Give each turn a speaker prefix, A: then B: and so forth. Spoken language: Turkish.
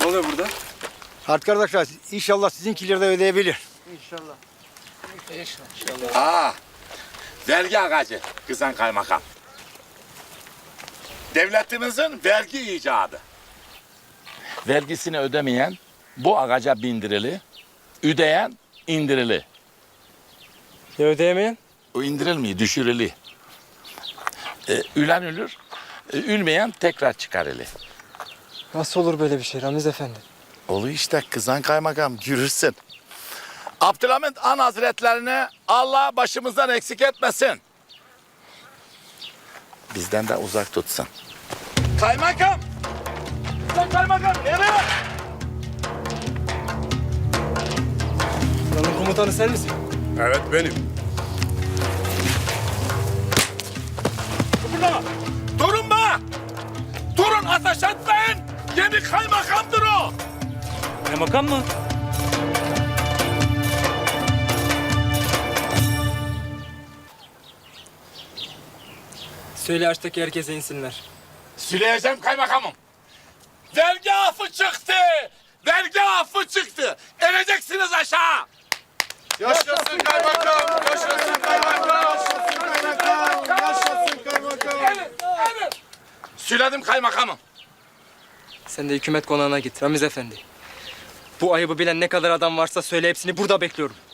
A: Ne oluyor burada?
B: Artık arkadaşlar inşallah sizinkileri de ödeyebilir.
A: İnşallah.
C: Vergi ağacı Kızan Kaymakam. Devletimizin vergi icadı. Vergisini ödemeyen bu ağaca bindirili, ödeyen indirili.
A: Ya ödeyemeyen?
C: O indirilmiyor, düşürülü. Ülen ölür, ülmeyen tekrar çıkarılı.
A: Nasıl olur böyle bir şey Ramiz Efendi?
C: Olu işte Kızan Kaymakam, görürsün. Abdülhamit Han Hazretlerini Allah başımızdan eksik etmesin. Bizden de uzak tutsun. Kaymakam! Kızan Kaymakam, nereye?
A: Buranın komutanı sen misin?
D: Evet benim.
C: Burada! Durun be! Durun, ateş etmeyin! Yeni kaymakamdır o!
A: Kaymakam mı? Söyle açtaki herkese insinler.
C: Süleyeceğim kaymakamım. Vergi affı çıktı! Vergi affı çıktı! İneceksiniz aşağı!
D: Yaşasın kaymakam! Yaşasın kaymakam! Yaşasın kaymakam!
C: Evet. Söyledim kaymakamım.
A: Sen de hükümet konağına git Ramiz Efendi. Bu ayıbı bilen ne kadar adam varsa söyle hepsini burada bekliyorum.